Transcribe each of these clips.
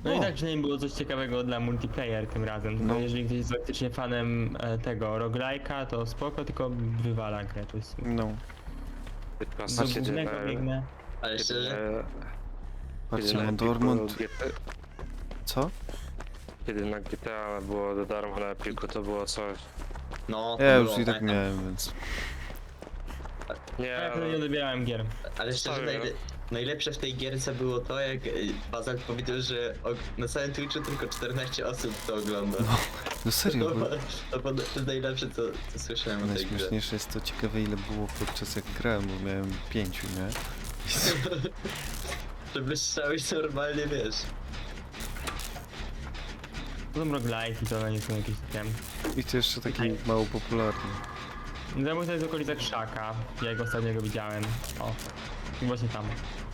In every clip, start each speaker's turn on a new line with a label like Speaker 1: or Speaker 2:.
Speaker 1: No i tak przynajmniej było coś ciekawego dla multiplayer tym razem, tylko
Speaker 2: No.
Speaker 1: jeżeli ktoś jest faktycznie fanem tego roguelike'a, to spoko, tylko wywala grę, to jest
Speaker 2: No.
Speaker 3: Tylko
Speaker 1: do
Speaker 3: kiedy,
Speaker 1: głównego biegnę.
Speaker 4: Ale
Speaker 3: kiedy,
Speaker 4: szczerze,
Speaker 2: Patrzcie,
Speaker 3: na
Speaker 2: mam
Speaker 3: Epiku
Speaker 2: Dortmund.
Speaker 3: GTA,
Speaker 2: Co?
Speaker 3: kiedy na GTA było za darmo na Epiku, to było coś.
Speaker 4: no to
Speaker 2: Ja już
Speaker 4: było,
Speaker 2: i tak
Speaker 4: pamiętam.
Speaker 2: miałem, więc...
Speaker 3: Nie,
Speaker 1: Ja wtedy nie odbierałem gier.
Speaker 4: Ale szczerze,
Speaker 3: Sorry.
Speaker 4: najlepsze w tej gierce było to, jak Bazal powiedział, że na całym Twitchu tylko 14 osób to ogląda.
Speaker 2: No serio, bo
Speaker 4: To jest najlepsze, co słyszałem o tej grze.
Speaker 2: najśmieszniejsze jest to ciekawe, ile było podczas jak grałem, bo miałem 5, nie?
Speaker 4: Przebłyszczałeś normalnie, wiesz.
Speaker 1: To są roguelike'i, to one nie są jakieś takie...
Speaker 2: I to jeszcze taki mało popularny.
Speaker 1: Zabójca to jest w okolicach Krzaka, ja go ostatnio widziałem. O, i właśnie tam.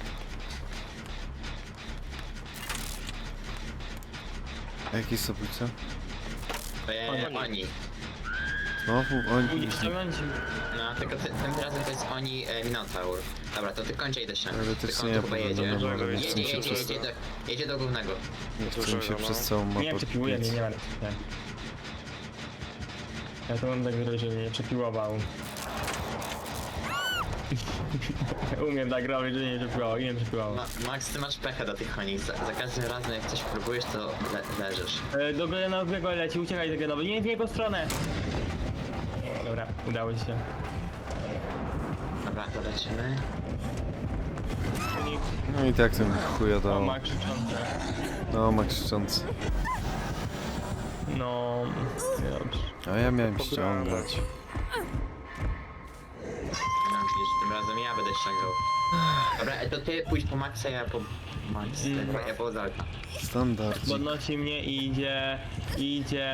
Speaker 2: A jaki jest oblicza?
Speaker 4: Oni.
Speaker 2: Znowu oni...
Speaker 1: Pójdziesz ściągnąć?
Speaker 4: No, tylko tym razem to jest oni Minotaur. Dobra, to ty kończę idę ściągnąć.
Speaker 2: Ale też
Speaker 4: Tylko
Speaker 2: nie
Speaker 4: on tu chyba
Speaker 2: ja
Speaker 4: jedzie.
Speaker 2: powiem, ale nie
Speaker 3: Jedzie,
Speaker 2: chcę mi się
Speaker 4: Jedzie,
Speaker 2: przez...
Speaker 4: jedzie do głównego.
Speaker 2: Nie chcę mi się
Speaker 3: Dużego,
Speaker 2: przez
Speaker 3: no.
Speaker 2: całą mapę
Speaker 1: Nie, przepiłuje mnie, nie ma. Nie. Ja to mam tak zrobić, żeby mnie nie przepiłował. Umiem tak robić, że nie przepiłował, nie przepiłował.
Speaker 4: Max, ty masz pecha do tych koni. Za każdym razem jak coś próbujesz, to leżysz.
Speaker 1: Do Grenowego leci, uciekaj do Grenowy, nie w jego stronę! Dobra, udało ci się.
Speaker 4: Dobra, to lecimy.
Speaker 2: No i tak ten chuja
Speaker 1: O,
Speaker 2: dało.
Speaker 1: ma krzyczące.
Speaker 2: No, ma krzyczący.
Speaker 1: No, dobrze.
Speaker 2: A ja miałem ściągać.
Speaker 4: No widzisz, tym razem ja będę ściągał. Dobra, to ty pójdź po Maxa, ja po Max. Ja po Zalka.
Speaker 2: Standard.
Speaker 1: Podnosi mnie i idzie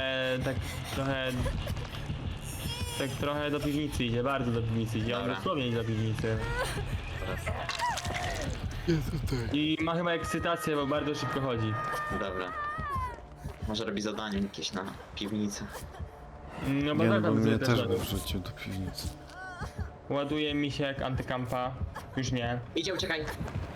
Speaker 1: tak trochę do piwnicy idzie, bardzo do piwnicy idzie, on
Speaker 4: Dobra.
Speaker 1: dosłownie idzie do piwnicy. I ma chyba ekscytację, bo bardzo szybko chodzi.
Speaker 4: Dobra. Może robi zadanie jakieś na piwnicę.
Speaker 1: No bo
Speaker 2: Nie, no
Speaker 1: tak
Speaker 2: bo mnie
Speaker 1: też
Speaker 2: też
Speaker 1: ładuje.
Speaker 2: wrzucił do piwnicy.
Speaker 1: Ładuje mi się jak antykampa. Już nie.
Speaker 4: Idzie, uciekaj!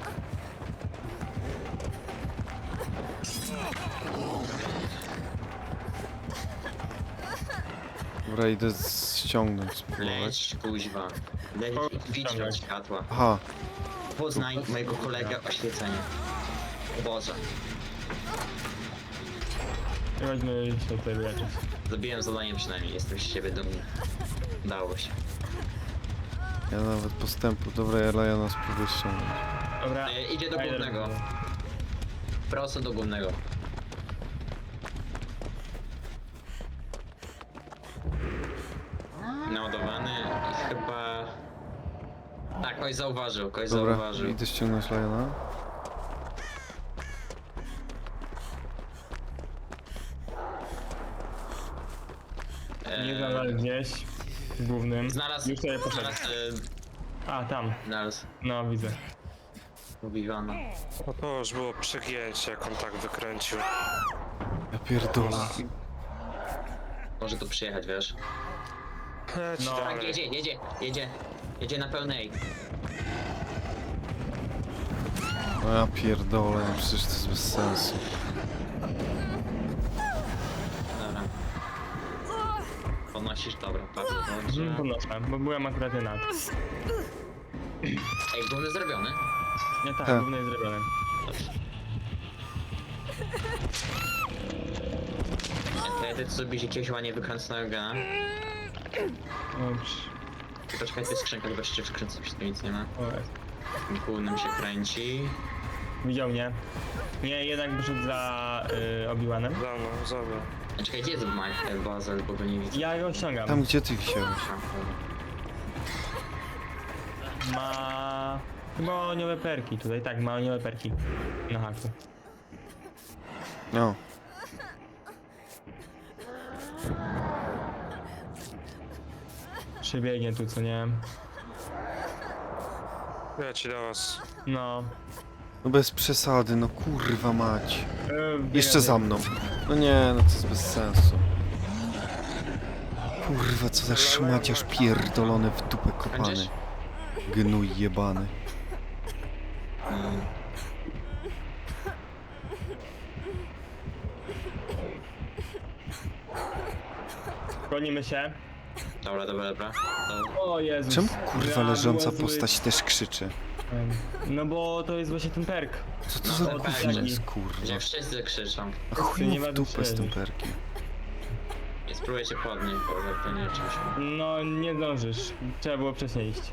Speaker 2: Dobra, idę ściągnąć, spróbować.
Speaker 4: Leć, kuźwa. Leć i widź od światła.
Speaker 2: Aha,
Speaker 4: Poznaj mojego kolegę oświecenie. O Boże.
Speaker 1: Chodźmy się tutaj wyleczyć.
Speaker 4: Zrobiłem zadanie przynajmniej, jestem z siebie dumny. Udało się.
Speaker 2: ja nawet postępu. Dobra, ja Lajana spróbuję ściągnąć.
Speaker 1: Dobra.
Speaker 4: Idzie do
Speaker 1: Fajne
Speaker 4: głównego.
Speaker 1: rozmowy.
Speaker 4: Prosto do głównego. Naładowany i chyba... Tak, kogoś zauważył, kogoś
Speaker 2: Dobra,
Speaker 4: zauważył.
Speaker 2: idę ściągnąć Lajana.
Speaker 1: Nie znalazł gdzieś. W głównym.
Speaker 4: Znalazł,
Speaker 1: Już sobie poszedł.
Speaker 4: znalazł,
Speaker 1: A, tam.
Speaker 4: znalazł.
Speaker 1: No, widzę.
Speaker 4: Mówiwana.
Speaker 3: no to już było przegięcie, jak on tak wykręcił.
Speaker 2: Ja pierdolę.
Speaker 4: Może tu przyjechać, wiesz?
Speaker 3: Leć
Speaker 1: No.
Speaker 4: Tak,
Speaker 3: dalej.
Speaker 4: jedzie na pełnej.
Speaker 2: No ja pierdolę, no przecież to jest bez sensu.
Speaker 4: Dobra. Podnosisz, dobra, bardzo dobrze.
Speaker 1: Podnoszę, bo byłem akurat nad.
Speaker 4: Ej, główny zrobiony.
Speaker 1: Nie tak,
Speaker 2: Tak.
Speaker 1: główny jest zrobiony.
Speaker 4: Ty zrobisz jakiegoś ładnie wykręconego gena.
Speaker 1: Dobrze.
Speaker 4: I poczekaj, to jest skrzynka, chyba jeszcze wkręcę, tu nic nie ma.
Speaker 1: O, jest.
Speaker 4: Głównym się kręci.
Speaker 1: Widział mnie. Nie, jednak wyszedł za Obi-Wanem.
Speaker 3: Za mną, za mną.
Speaker 4: A czekaj, gdzie jest Mike Bazel, bo go nie widzę.
Speaker 1: Ja go ściągam.
Speaker 2: Tam gdzie ty wisiałeś?
Speaker 1: Ma... Chyba aniowe perki tutaj, tak, ma aniowe perki. Na haku.
Speaker 2: No.
Speaker 1: Przebiegnie tu, co nie?
Speaker 3: Leci do was.
Speaker 1: No.
Speaker 2: No bez przesady, no kurwa mać.
Speaker 1: Biega
Speaker 2: Jeszcze za mną. No nie, no to jest bez sensu. Kurwa, co za szmaciarz pierdolony w dupę kopany.
Speaker 4: Kończysz?
Speaker 2: Gnój jebany.
Speaker 1: Gonimy się.
Speaker 4: Dobra. To...
Speaker 1: O Jezus.
Speaker 2: Czemu kurwa
Speaker 1: Ja
Speaker 2: leżąca
Speaker 1: była zły.
Speaker 2: postać też krzyczy?
Speaker 1: No bo to jest właśnie ten perk.
Speaker 2: Co to
Speaker 4: No
Speaker 2: za
Speaker 4: to
Speaker 2: gówno
Speaker 1: taki.
Speaker 2: jest kurwa?
Speaker 4: Gdzie wszyscy krzyczą.
Speaker 2: A chuj
Speaker 1: nie
Speaker 2: mu w
Speaker 1: ma
Speaker 2: dupę z tym
Speaker 1: wyprzedzić.
Speaker 2: perkiem.
Speaker 4: I spróbuję cię podnieść, bo jak to nie czymś.
Speaker 1: No nie zdążysz. Trzeba było wcześniej iść.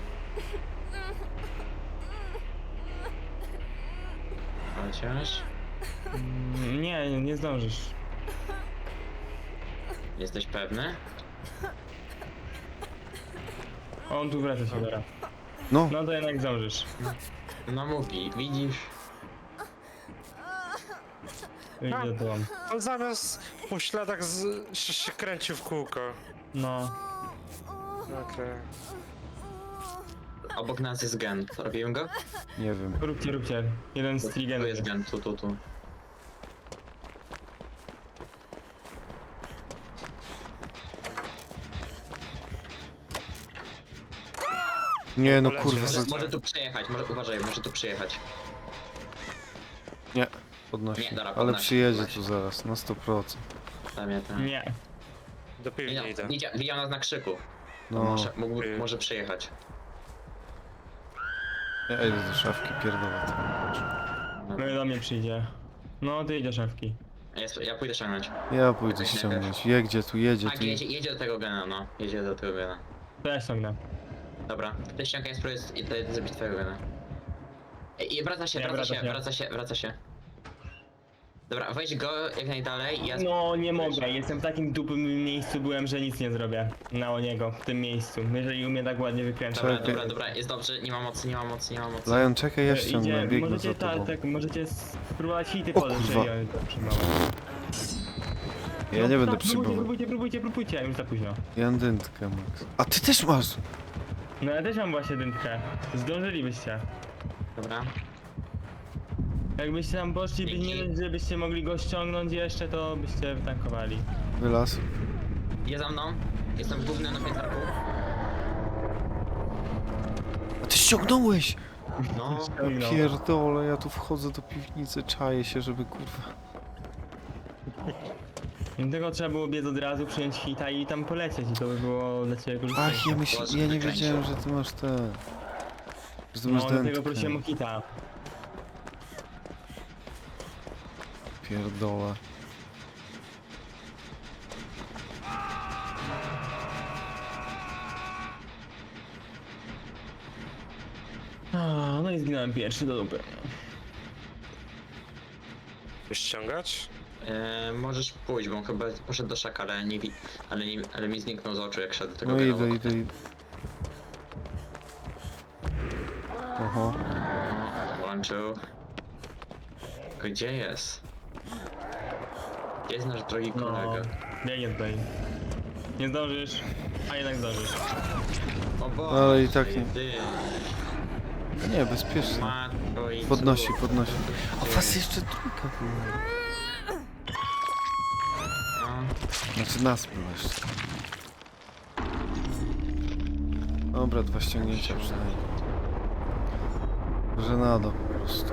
Speaker 4: Chociaż...
Speaker 1: Nie zdążysz.
Speaker 4: Jesteś pewny?
Speaker 1: On tu wraca się teraz.
Speaker 2: No,
Speaker 1: No to jednak zdążysz.
Speaker 4: No mówi, widzisz?
Speaker 1: Idzie to on.
Speaker 5: On zamiast po śladach się kręcił w kółko.
Speaker 1: No.
Speaker 5: Okej.
Speaker 4: Obok nas jest gen. Robimy go?
Speaker 2: nie wiem.
Speaker 1: Róbcie. Jeden z
Speaker 4: Tu
Speaker 1: trigenów.
Speaker 4: jest gen, tu.
Speaker 2: Nie no
Speaker 5: Poleciał.
Speaker 2: kurwa,
Speaker 4: Może tu przejechać, uważaj, może tu przyjechać.
Speaker 2: nie. Podnosi.
Speaker 4: Nie, dobra,
Speaker 2: Ale
Speaker 4: podnosi,
Speaker 2: przyjedzie
Speaker 4: podnosi.
Speaker 2: tu zaraz, na 100%.
Speaker 4: Tam.
Speaker 1: Nie.
Speaker 5: Do piwni idę.
Speaker 4: Widział nas na krzyku.
Speaker 2: No,
Speaker 4: Może przyjechać.
Speaker 2: ja idę do szafki, pierdolę.
Speaker 1: No i do mnie przyjdzie. No ty idziesz szafki.
Speaker 4: Ja pójdę ściągnąć.
Speaker 2: Ja pójdę
Speaker 4: Jakoś
Speaker 2: ściągnąć. Jedzie tu, jedzie
Speaker 4: Tak,
Speaker 2: tu.
Speaker 4: jedzie do tego gena, no. Jedzie do tego gena.
Speaker 1: To ja ściągnę.
Speaker 4: Dobra, ty ściągaj, spróbuj zrobić twojego gena. I wraca się. Dobra, weź go jak najdalej, ja...
Speaker 1: No nie mogę, jestem w takim dupym miejscu byłem, że nic nie zrobię na niego w tym miejscu. Jeżeli umie tak ładnie wykręcać.
Speaker 4: Dobra, jest dobrze, nie ma mocy.
Speaker 2: Lion, czekaj, ja ściągnę, biegnę
Speaker 1: możecie
Speaker 2: za tobą.
Speaker 1: możecie spróbować hity
Speaker 2: O,
Speaker 1: podejść,
Speaker 2: kurwa.
Speaker 1: jeżeli oni to przyjmować.
Speaker 2: Ja nie będę
Speaker 1: tak,
Speaker 2: przyjmował.
Speaker 1: próbujcie, już za późno.
Speaker 2: Ja mam dętkę, Max. A ty też masz!
Speaker 1: No ja też mam właśnie dętkę. Zdążylibyście.
Speaker 4: Dobra.
Speaker 1: Jakbyście tam poszli,
Speaker 4: Dzięki.
Speaker 1: żebyście mogli go ściągnąć jeszcze, to byście tankowali.
Speaker 2: Wylaz.
Speaker 4: Je za mną. Jestem w głównym na piętarku.
Speaker 2: A ty ściągnąłeś!
Speaker 4: No.
Speaker 1: No.
Speaker 2: Pierdolę, ja tu wchodzę do piwnicy, czaję się, żeby kurwa...
Speaker 1: Dlatego trzeba było biec od razu, przyjąć hita i tam polecieć i to by było dla ciebie korzystne.
Speaker 2: Ach, ja nie wiedziałem, że ty masz te... Że ty
Speaker 1: No
Speaker 2: masz
Speaker 1: dlatego
Speaker 2: dętkę.
Speaker 1: prosiłem o hita.
Speaker 2: Pierdolę.
Speaker 1: No i zginąłem pierwszy do dupy.
Speaker 5: Chcesz ściągać?
Speaker 4: Możesz pójść, bo on chyba poszedł do szaka, ale mi zniknął z oczu jak szedł do tego
Speaker 2: No
Speaker 4: gena.
Speaker 2: idę. Oho.
Speaker 4: Włączył. Gdzie jest? Gdzie jest nasz drogi
Speaker 1: No,
Speaker 4: kolega?
Speaker 1: biegnie tutaj. Nie zdążysz, a jednak zdążysz.
Speaker 4: O Boże,
Speaker 2: Ale i tak nie.
Speaker 4: ty,
Speaker 2: Nie, bezpiecznie.
Speaker 4: matko i
Speaker 2: Podnosi.
Speaker 4: cóż.
Speaker 2: A was jeszcze trójka była.
Speaker 4: No,
Speaker 2: Znaczy nas było jeszcze. Dobra, 2 ściągnięcia przynajmniej. Żenado po prostu.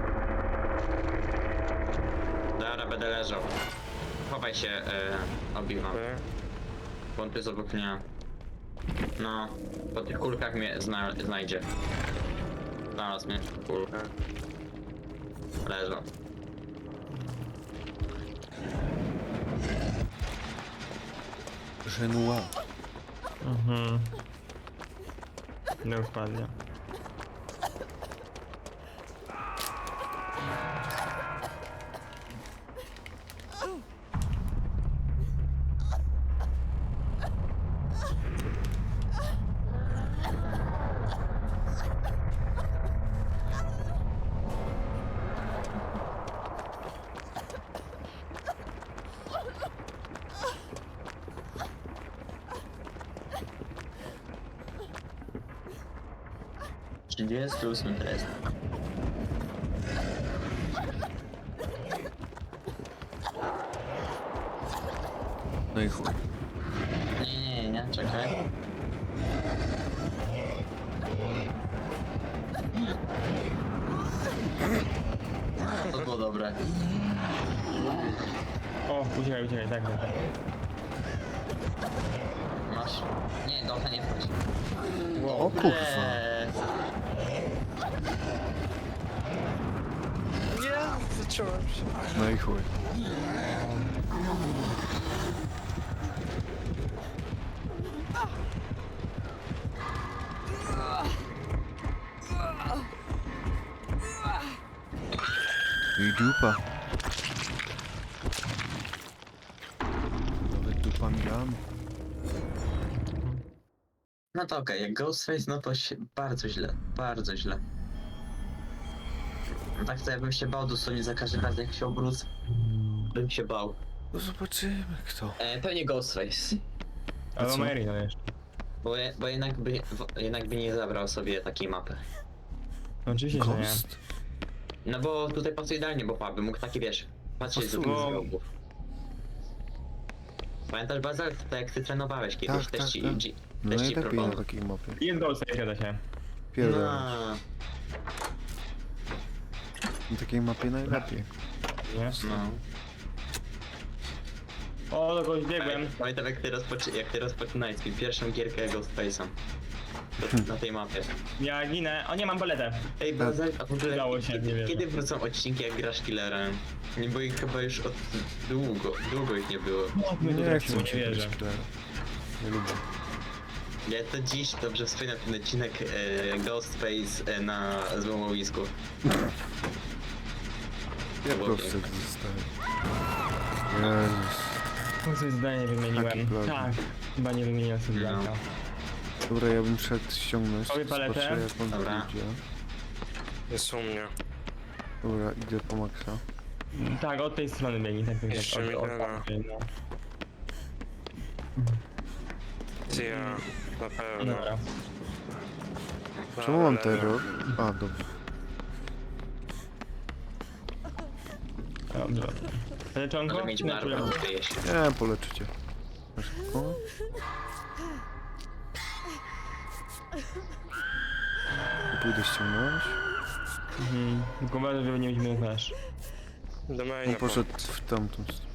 Speaker 4: dobra, będę leżał. Chowaj się, Obi-Wan,
Speaker 5: Okej.
Speaker 4: bo on tu jest obok mnie. No, po tych kulkach mnie znajdzie. Znalazł mnie w kulkach. Leżał.
Speaker 2: Żenua.
Speaker 1: Mhm. No wpadnie.
Speaker 4: Jest 38 teraz.
Speaker 2: No i chuj.
Speaker 4: Nie, czekaj. To było dobre.
Speaker 1: O, uciekaj, tak.
Speaker 4: Masz... Nie, do nie wchodź.
Speaker 2: O kurwa.
Speaker 5: Nie, zacząłem się.
Speaker 2: No i chuj. I dupa. Nawet dupa miałem.
Speaker 4: No to okej, jak Ghostface, no to się bardzo źle, bardzo źle. No tak to ja bym się bał dosłownie za każdym razem jak się obrócę. Bym się bał.
Speaker 2: No zobaczymy kto.
Speaker 4: Pewnie Ghostface.
Speaker 1: Albo
Speaker 2: co?
Speaker 1: Marino jeszcze.
Speaker 4: Bo jednak by nie zabrał sobie takiej mapy.
Speaker 1: No, oczywiście, że nie.
Speaker 2: Ghost?
Speaker 4: No bo tutaj pasuje idealnie, bo by mógł taki, wiesz, patrzeć z
Speaker 2: Pasuje.
Speaker 4: różnych rogów. Pamiętasz, Bazal, to jak ty trenowałeś kiedyś,
Speaker 2: Tak,
Speaker 4: też
Speaker 2: tak,
Speaker 4: ci,
Speaker 2: tak.
Speaker 4: też
Speaker 2: No
Speaker 4: ci
Speaker 2: najlepiej na
Speaker 4: proponował.
Speaker 2: takiej mapie.
Speaker 1: Jest Ghostface, zgadza się.
Speaker 2: Pierdolę.
Speaker 4: No,
Speaker 2: Na takiej mapie najlepiej.
Speaker 1: Nie?
Speaker 4: no.
Speaker 1: O, do kogoś biegłem.
Speaker 4: Pamiętam jak ty rozpoczynałeś swój pierwszą gierkę Ghostface'em. Na tej mapie.
Speaker 1: Ja ginę. O, nie mam paletę.
Speaker 4: Ej, Bazal, a w ogóle
Speaker 1: Udało się, nie wierzę.
Speaker 4: kiedy wrócą odcinki jak grasz killerem? Nie, bo ich chyba już od długo ich nie było.
Speaker 1: My tu
Speaker 2: Nie
Speaker 1: trafimy,
Speaker 2: chcę
Speaker 1: nie
Speaker 2: cię
Speaker 1: wierzę.
Speaker 2: grać Claire. Nie lubię.
Speaker 4: Ja to dziś dobrze wspominam ten odcinek Ghostface na złomowisku.
Speaker 2: Jak
Speaker 4: było
Speaker 2: proste
Speaker 4: piękne.
Speaker 2: zostaje. Jezus.
Speaker 1: Coś zdanie
Speaker 2: Taki
Speaker 1: wymieniłem.
Speaker 2: plugin.
Speaker 1: Tak. Chyba nie wymieniłem sobie
Speaker 4: No.
Speaker 1: Blanka.
Speaker 2: Dobra, ja bym szedł ściągnąć.
Speaker 1: Robię paletę.
Speaker 2: Zobaczę jak on
Speaker 4: Dobra.
Speaker 2: idzie.
Speaker 5: Jest u mnie.
Speaker 2: Dobra, idę po maksa.
Speaker 1: Tak, od tej strony biegnie, tak jak
Speaker 5: Jeszcze mi gada.
Speaker 1: tamtej, no.
Speaker 5: Ty ja, na pewno.
Speaker 1: Dobra.
Speaker 2: Czemu mam
Speaker 5: Ale-
Speaker 2: terror? A, dobra.
Speaker 1: Dobrze. Leczonko?
Speaker 4: Może mieć
Speaker 1: Nie,
Speaker 4: barwę,
Speaker 1: czule-
Speaker 4: bo jeść.
Speaker 2: Nie, poleczę cię. Na szybko. Pójdę ściągnąć.
Speaker 1: Tylko uważaj, żeby nie mieć flash.
Speaker 5: Do
Speaker 2: On
Speaker 5: maina
Speaker 2: poszedł w tamtą stronę.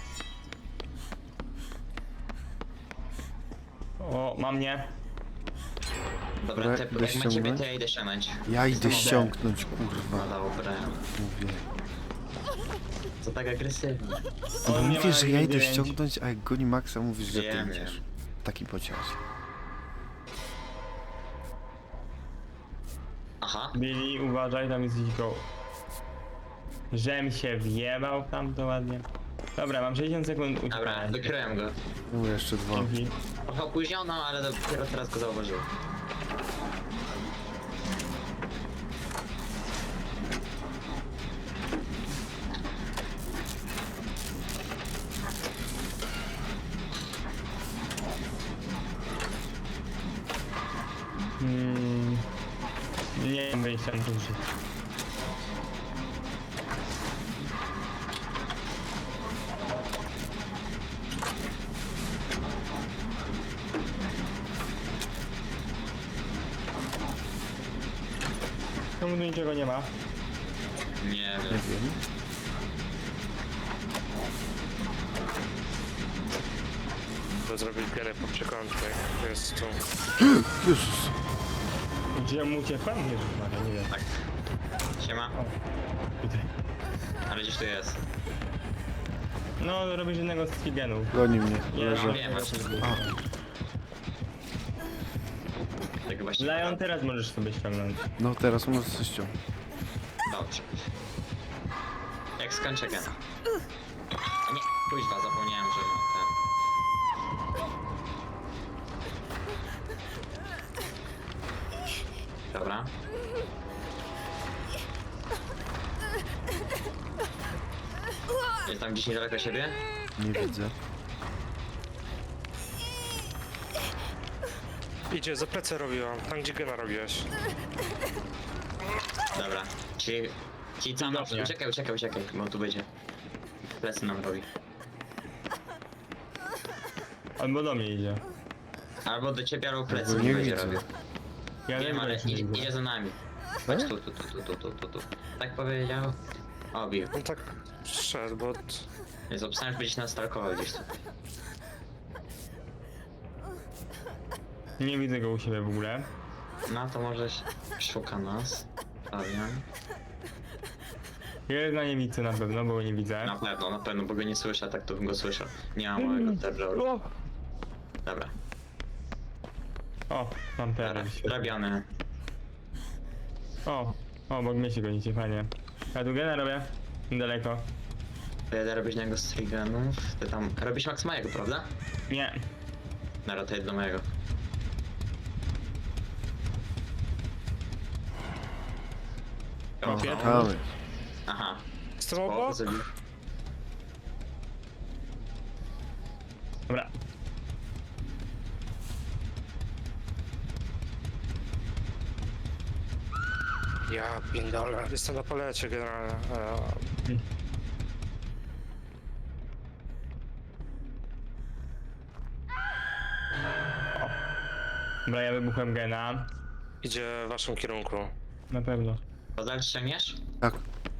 Speaker 1: O, mam nie.
Speaker 4: Dobra,
Speaker 2: Dobra,
Speaker 4: te,
Speaker 2: idę
Speaker 4: jak macie
Speaker 2: ściągnąć.
Speaker 4: to ja idę ściągnąć.
Speaker 2: Ja idę
Speaker 1: Dobra.
Speaker 2: ściągnąć,
Speaker 4: No
Speaker 2: kurwa.
Speaker 4: dobra,
Speaker 2: Mówię.
Speaker 4: co tak agresywnie.
Speaker 1: On nie ma
Speaker 2: Mówisz, że ja idę
Speaker 1: 9.
Speaker 2: ściągnąć, a jak goni Maxa, mówisz, że ty
Speaker 4: Wiem,
Speaker 2: idziesz.
Speaker 4: wiem.
Speaker 2: Taki pociąg.
Speaker 4: Aha,
Speaker 1: Billy, uważaj, tam jest dziko. Żem się wjebał tam to ładnie. Dobra, mam 60 sekund
Speaker 4: dobra,
Speaker 1: uciekania.
Speaker 4: wykryłem go.
Speaker 2: No jeszcze dwa.
Speaker 1: Dzięki.
Speaker 4: Trochę opóźniono, ale dopiero teraz go zauważyłem.
Speaker 1: Nie mam wyjścia na to życie. Czemu tu niczego nie ma?
Speaker 4: Nie
Speaker 2: Nie
Speaker 4: wiem.
Speaker 2: wiem.
Speaker 5: To zrobić pianę po przekątnej. Jest tu.
Speaker 2: Jezus.
Speaker 1: Gdzie ja mu uciekłem? Nie wiem, nie wiem.
Speaker 4: Tak. Siema,
Speaker 1: O, tutaj.
Speaker 4: ale gdzieś tu jest.
Speaker 1: No, robisz jednego z figenów.
Speaker 2: Goni mnie.
Speaker 1: Nie,
Speaker 2: Leżę.
Speaker 4: wiem, właśnie.
Speaker 2: A,
Speaker 4: Tak właśnie.
Speaker 1: Lion, teraz możesz sobie ściągnąć.
Speaker 2: no teraz możesz coś ściągnąć.
Speaker 4: Dobrze. Jak skończę gena. A nie, kuźwa, zapomniałem, że mam ten. Dobra. Jest tam gdzieś niedaleko siebie?
Speaker 2: Nie widzę.
Speaker 5: Idzie, za plecy robiłam. Tam gdzie gena robiłeś.
Speaker 4: Dobra. Ci co nam...
Speaker 1: Dobra.
Speaker 4: Uciekaj, bo tu będzie. Plecy nam robi.
Speaker 1: Albo do mnie idzie.
Speaker 4: Albo do ciebie, albo plecy
Speaker 2: Albo
Speaker 4: mi
Speaker 2: nie
Speaker 4: będzie
Speaker 2: widzę.
Speaker 4: robił.
Speaker 1: Ja
Speaker 4: Nie wiem, ale
Speaker 1: że nie widzę.
Speaker 4: idzie za nami. Chodź tu. Tak powiedział. O, bił.
Speaker 5: On tak szedł, bo...
Speaker 4: Więc obstałem, że będziesz nas stalkował gdzieś tu.
Speaker 1: Nie widzę go u siebie w ogóle.
Speaker 4: No to może szuka nas. Stawiam.
Speaker 1: Jest na niewicy na pewno, bo go nie widzę.
Speaker 4: Na pewno, bo go nie słyszę, tak to bym go słyszał. Nie mam mojego terroru.
Speaker 1: O,
Speaker 4: Dobra,
Speaker 1: o mam teraz.
Speaker 4: robiony.
Speaker 1: O, obok mnie się gonicie, fajnie. Ja tu gena robię. Daleko.
Speaker 4: Jadę robić na niego striganów. Ty tam robisz max mojego, prawda?
Speaker 1: Nie.
Speaker 4: Dobra, to jedź do mojego.
Speaker 1: O,
Speaker 4: Oho.
Speaker 2: Tam jest.
Speaker 4: Aha.
Speaker 5: Jestem
Speaker 4: Spoko,
Speaker 5: obok?
Speaker 4: zabił.
Speaker 1: Dobra.
Speaker 5: Ja pierdolę. Jestem na palecie generalnie.
Speaker 1: Dobra, ja wybuchłem gena.
Speaker 5: Idzie w waszym kierunku.
Speaker 1: Na pewno.
Speaker 4: Kozak ściągniesz?
Speaker 2: Tak.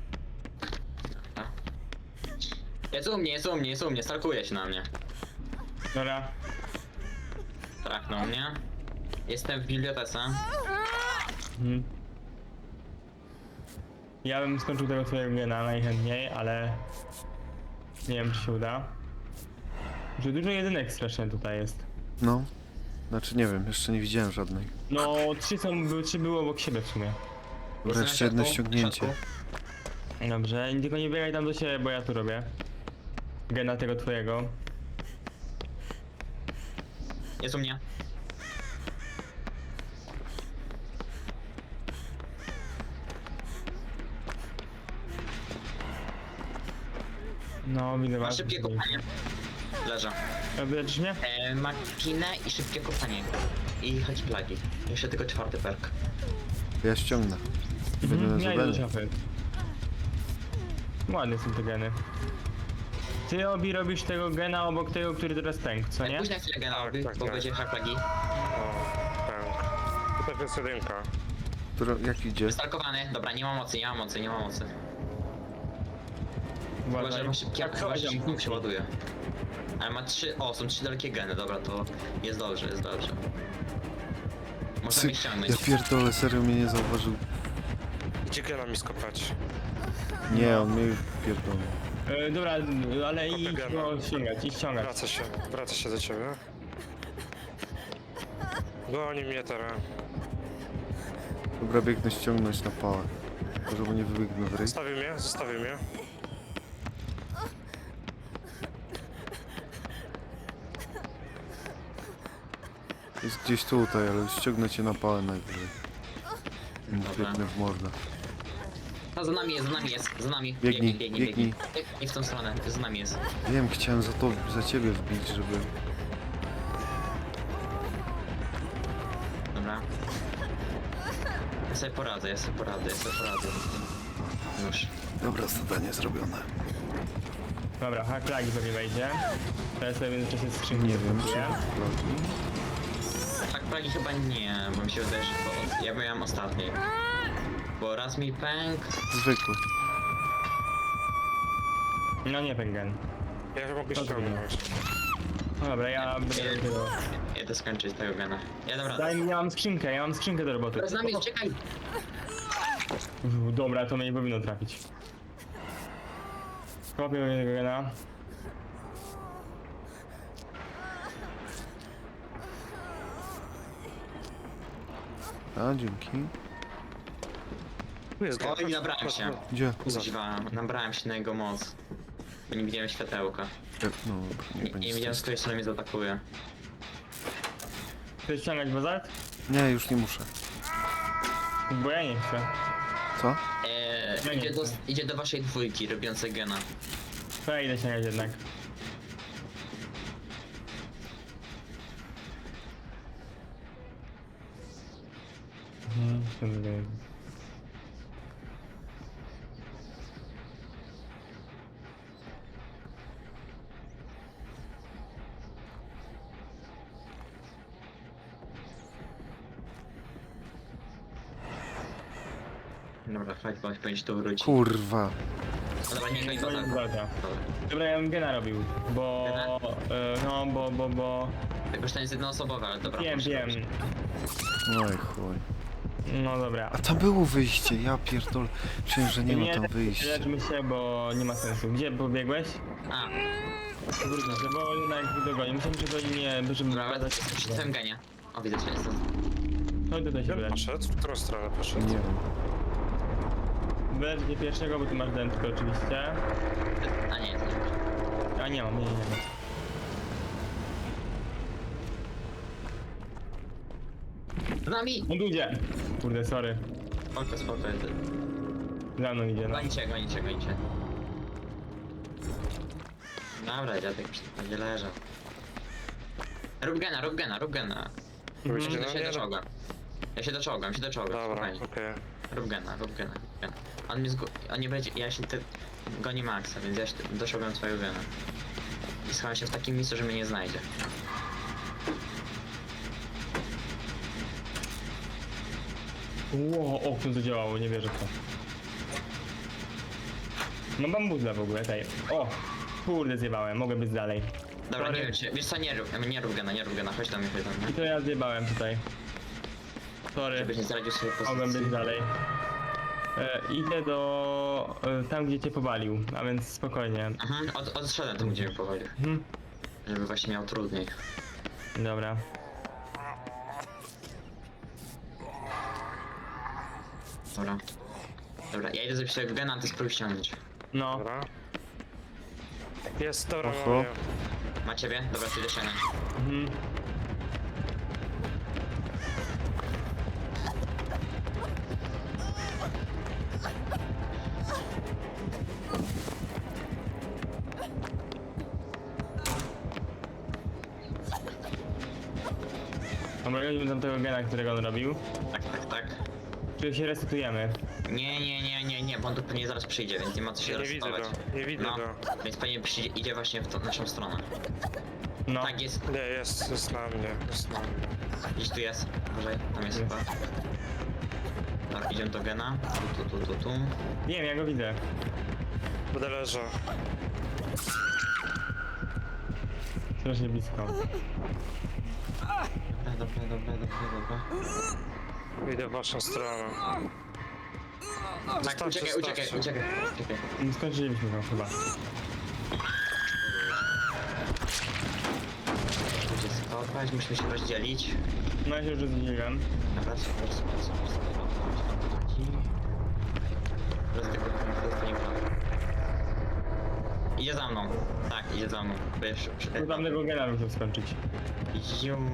Speaker 4: Jest u mnie, stalkuje się na mnie.
Speaker 1: Dobra.
Speaker 4: Trafnął mnie. Jestem w bibliotece.
Speaker 1: Mhm. Ja bym skończył tego twojego gena najchętniej, ale... Nie wiem, czy się uda. Że dużo jedynek strasznie tutaj jest.
Speaker 2: No. Znaczy nie wiem, jeszcze nie widziałem żadnej.
Speaker 1: No, trzy były obok siebie w sumie.
Speaker 2: Dobra,
Speaker 4: Jestem
Speaker 2: jeszcze
Speaker 4: na
Speaker 2: jedno
Speaker 4: środku,
Speaker 2: ściągnięcie.
Speaker 4: w środku.
Speaker 1: Dobrze, tylko nie biegaj tam do siebie, bo ja tu robię. Gena tego twojego.
Speaker 4: Jest u mnie.
Speaker 1: No, widzę
Speaker 4: Ma
Speaker 1: was.
Speaker 4: szybkie kopanie. Leżę.
Speaker 1: Wyleczysz mnie?
Speaker 4: Ma kinę i szybkie kopanie. I chodź plagi. Jeszcze tylko 4 perk.
Speaker 2: Ja ściągnę. Będę na
Speaker 1: Ja idę do
Speaker 2: zadanie.
Speaker 1: szafy. Ładne są te geny. Ty Obi robisz tego gena obok tego, który teraz pękł, co nie?
Speaker 4: Później chwilę generalny,
Speaker 5: tak,
Speaker 4: bo
Speaker 5: tak.
Speaker 4: będzie hack plagi.
Speaker 5: O, tak. Tutaj jest jedynka.
Speaker 2: Jak idzie?
Speaker 4: Wystalkowany. Dobra, nie ma mocy. Chyba,
Speaker 1: Uważaj.
Speaker 4: że ma szybkie,
Speaker 1: Tak,
Speaker 4: chyba, że
Speaker 1: chodź,
Speaker 4: szybko się ładuje. Ale ma 3, są 3 dalekie geny, dobra, to jest dobrze. Możemy ściągnąć.
Speaker 2: Ja pierdolę, serio mnie nie zauważył.
Speaker 5: Idzie gena mi skopać.
Speaker 2: Nie, on mnie pierdolę.
Speaker 1: Dobra, ale
Speaker 5: Kopy
Speaker 1: idź
Speaker 5: gena.
Speaker 1: go ściągać, idź ściągać.
Speaker 5: Wraca się do ciebie. Goni mnie teraz.
Speaker 2: Dobra, biegnę ściągnąć na pałę. Może mu nie wybiegnę w ryj.
Speaker 5: Zostawił mnie.
Speaker 2: Jest gdzieś tutaj, ale ściągnę cię na pałę najwyżej.
Speaker 4: Dobra.
Speaker 2: Biegnę w mordę.
Speaker 4: No, za nami jest.
Speaker 2: Biegnij.
Speaker 4: Biegnij w tą stronę, za nami jest.
Speaker 2: Wiem, chciałem za ciebie wbić, żeby...
Speaker 4: Dobra. Ja sobie poradzę. Już.
Speaker 2: Dobra, zadanie zrobione.
Speaker 1: Dobra, hack plagi pewnie wejdzie. Teraz sobie w międzyczasie skrzynki
Speaker 2: Nie wiem, czy...
Speaker 1: zbuduję.
Speaker 4: Hack plagi chyba nie, bo mi się wydaje, że ja miałem ostatni. Bo raz mi pęk.
Speaker 2: Zwykły.
Speaker 1: No nie pęgen.
Speaker 5: Ja mogę
Speaker 1: To
Speaker 5: ściągnąć.
Speaker 1: No dobra, ja będę tego...
Speaker 4: Jedę skończyć tego gena. Ja dobra.
Speaker 1: Daj mi, ja mam skrzynkę do roboty.
Speaker 4: Z nami, czekaj!
Speaker 1: Dobra, to mnie nie powinno trafić. Kopię tego gena.
Speaker 2: A, dzięki.
Speaker 5: Tu jest gen.
Speaker 4: Oj, nabrałem się.
Speaker 2: Gdzie?
Speaker 4: Kuźwa, nabrałem się na jego moc. Bo nie widziałem światełka.
Speaker 2: No,
Speaker 4: Nie,
Speaker 2: nie
Speaker 4: nie
Speaker 2: będzie
Speaker 4: widziałem, z
Speaker 2: stresu.
Speaker 4: której strony mnie zaatakuje.
Speaker 1: Chcesz ściągać bazalt?
Speaker 2: Nie, już nie muszę.
Speaker 1: Bo ja nie chcę.
Speaker 2: Co?
Speaker 1: Ja nie chcę.
Speaker 4: Idzie do waszej dwójki robiącej gena.
Speaker 1: To ja idę ściągać jednak.
Speaker 4: Dobra, fajnie, powinien się tu wrócić.
Speaker 2: Kurwa.
Speaker 4: No dobra, nie goń go
Speaker 1: Koniec
Speaker 4: tak.
Speaker 1: walka. Dobra, ja bym gena robił, bo...
Speaker 4: Gena?
Speaker 1: bo...
Speaker 4: Tylko, że to jest jednoosobowe, ale dobra.
Speaker 1: Wiem,
Speaker 4: proszę,
Speaker 1: wiem.
Speaker 2: No i chuj.
Speaker 1: No dobra.
Speaker 2: A tam było wyjście, ja pierdol. Czuję, że nie ma tam wyjścia.
Speaker 1: Leczmy się, bo nie ma sensu. Gdzie pobiegłeś?
Speaker 4: A,
Speaker 1: Wróćmy się, bo jednak dogoni. Myślę, że goni mnie, żeby
Speaker 4: dobra, ale
Speaker 1: pokazać...
Speaker 4: przy tym genie. O, widzę cię, jestem.
Speaker 1: Chodź tutaj się
Speaker 5: Gdzie
Speaker 1: wylecz.
Speaker 5: poszedł? W którą stronę poszedł?
Speaker 2: Nie wiem.
Speaker 1: Wylecz mnie pierwszego, bo tu masz dętkę oczywiście.
Speaker 4: A nie, to nie.
Speaker 1: A nie mam, nie.
Speaker 4: Z nami!
Speaker 1: On tu idzie. Kurde, sorry.
Speaker 4: Spoko, spoko.
Speaker 1: Za mną idzie, no.
Speaker 4: Gonicie. Dobra, dziadek przy tym będzie leżał. Rób gena.
Speaker 5: Robicie
Speaker 4: Ja
Speaker 5: na
Speaker 4: się
Speaker 5: mnie?
Speaker 4: doczołgam. Ja się doczołgam,
Speaker 5: Dobra,
Speaker 4: spokojnie.
Speaker 5: okej.
Speaker 4: Rób gena. On mnie on nie będzie, ja się goni Maxa, więc ja się doczołgam swojego gena. I schowam się w takim miejscu, że mnie nie znajdzie.
Speaker 1: Ło, o, to zadziałało, nie wierzę w to. Mam bambuzla w ogóle, tej. O! Kurde, zjebałem, mogę być dalej.
Speaker 4: Dobra,
Speaker 1: Sorry.
Speaker 4: nie wiem, wiesz co, nie rób gena, chodź do mnie.
Speaker 1: I to ja zjebałem tutaj. Sorry,
Speaker 4: Żebyś nie zdradził swojej
Speaker 1: mogłem
Speaker 4: pozycji.
Speaker 1: być dalej. Idę do... tam, gdzie cię powalił, a więc spokojnie.
Speaker 4: Mhm, odszedłem tam, gdzie mnie powolił.
Speaker 1: Mhm.
Speaker 4: Żeby właśnie miał trudniej.
Speaker 1: Dobra.
Speaker 4: Dobra, ja idę zrobić sobie gena, a ty spróbuj ściągnąć.
Speaker 1: No,
Speaker 5: Dobra. Jest, dobra,
Speaker 2: Oho.
Speaker 5: mam ją.
Speaker 4: Ma ciebie? Dobra, ty idę ściągnąć.
Speaker 1: mhm. Dobra, idźmy do tego gena, którego on robił.
Speaker 4: Tak.
Speaker 1: Czy się resetujemy?
Speaker 4: Nie, bo on tu pewnie zaraz przyjdzie, więc nie ma co się
Speaker 5: Nie widzę
Speaker 4: resetować.
Speaker 5: go, nie widzę
Speaker 4: No,
Speaker 5: go.
Speaker 4: więc pewnie przyjdzie, idzie właśnie w tą naszą stronę.
Speaker 1: No.
Speaker 4: Tak, jest.
Speaker 5: Nie, jest na mnie, jest na mnie.
Speaker 4: Gdzieś tu jest. Uważaj, tam jest chyba. Dobra, idziemy do gena. Tu.
Speaker 1: Wiem, ja go widzę.
Speaker 5: Będę leżał.
Speaker 1: Strasznie blisko.
Speaker 4: Dobra.
Speaker 5: Idę w waszą stronę.
Speaker 4: Tak,
Speaker 5: Zostawcie,
Speaker 4: uciekaj.
Speaker 1: Skończyliśmy go chyba.
Speaker 4: Musicie skopać, musimy się rozdzielić.
Speaker 1: No ja się już rozdzieliłem.
Speaker 4: Dobra, super. Idzie za mną. Tak, idzie za mną. Wiesz,
Speaker 1: Tu tamtego gena musiał skończyć.
Speaker 4: Zium.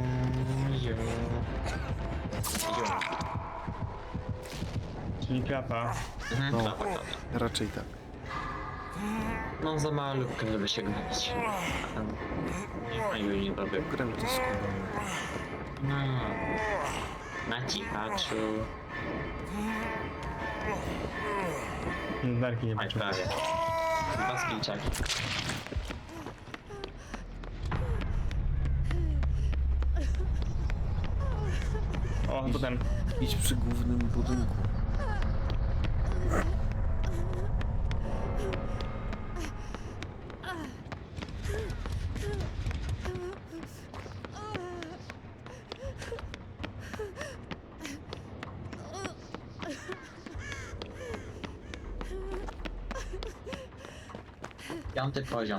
Speaker 1: Czyli klapa.
Speaker 2: No.
Speaker 4: Klapa.
Speaker 2: Raczej tak.
Speaker 4: Mam za malutkę, żeby się gonić. No i nie robię.
Speaker 2: Grę to skubany.
Speaker 4: No. Na cichaczu.
Speaker 1: Darki nie
Speaker 4: Aj,
Speaker 1: patrzę.
Speaker 4: prawie. Dwa skillczaki.
Speaker 1: O, potem.
Speaker 2: Idź przy głównym budynku.
Speaker 4: Piąty poziom.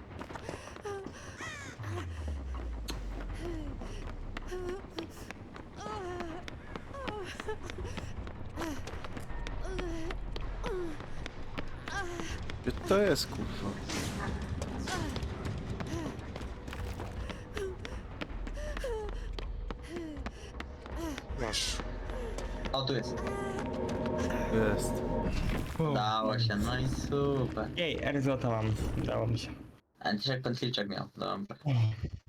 Speaker 2: Gdzie to jest, kurwa?
Speaker 5: Masz.
Speaker 4: O, tu jest.
Speaker 2: Jest.
Speaker 1: Wow.
Speaker 4: Dało się, no i super.
Speaker 1: Jej, Erzota mam. Udało mi się.
Speaker 4: A dzisiaj pan Filczek miał, dobra.